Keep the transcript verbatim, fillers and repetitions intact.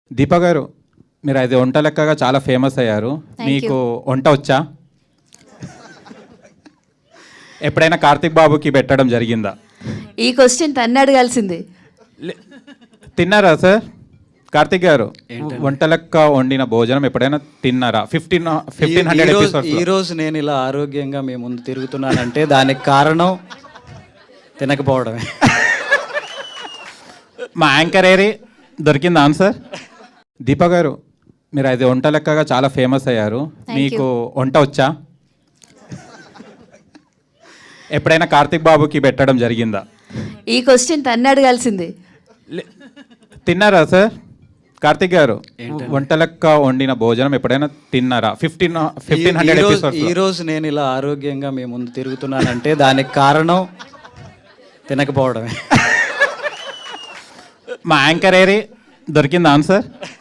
దీప గారు, మీరు అది వంట లెక్కగా చాలా ఫేమస్ అయ్యారు. మీకు వంట వచ్చా? ఎప్పుడైనా కార్తిక్ బాబుకి పెట్టడం జరిగిందా? ఈ క్వశ్చన్ తన్ను అడగాల్సింది. లే- తిన్నారా సార్? కార్తిక్ గారు, వంట లెక్క వండిన భోజనం ఎప్పుడైనా తిన్నారా? Fifteen fifteen hundred episodes. ఈ రోజు నేను ఇలా ఆరోగ్యంగా మీ ముందు తిరుగుతున్నానంటే దానికి కారణం తినకపోవడమే. మా యాంకర్ ఏరి దొరికిందా ఆన్సర్? దీప గారు, మీరు అది వంట లెక్కగా చాలా ఫేమస్ అయ్యారు. మీకు వంట వచ్చా? ఎప్పుడైనా కార్తిక్ బాబుకి పెట్టడం జరిగిందా? ఈ క్వశ్చన్ తన్ను అడగాల్సింది. లే- తిన్నారా సార్? కార్తిక్ గారు, వంట లెక్క వండిన భోజనం ఎప్పుడైనా తిన్నారా? Fifteen fifteen hundred episodes. ఈ రోజు నేను ఇలా ఆరోగ్యంగా మీ ముందు తిరుగుతున్నానంటే దానికి కారణం తినకపోవడమే. మా యాంకర్ ఏరి దొరికిందా ఆన్సర్?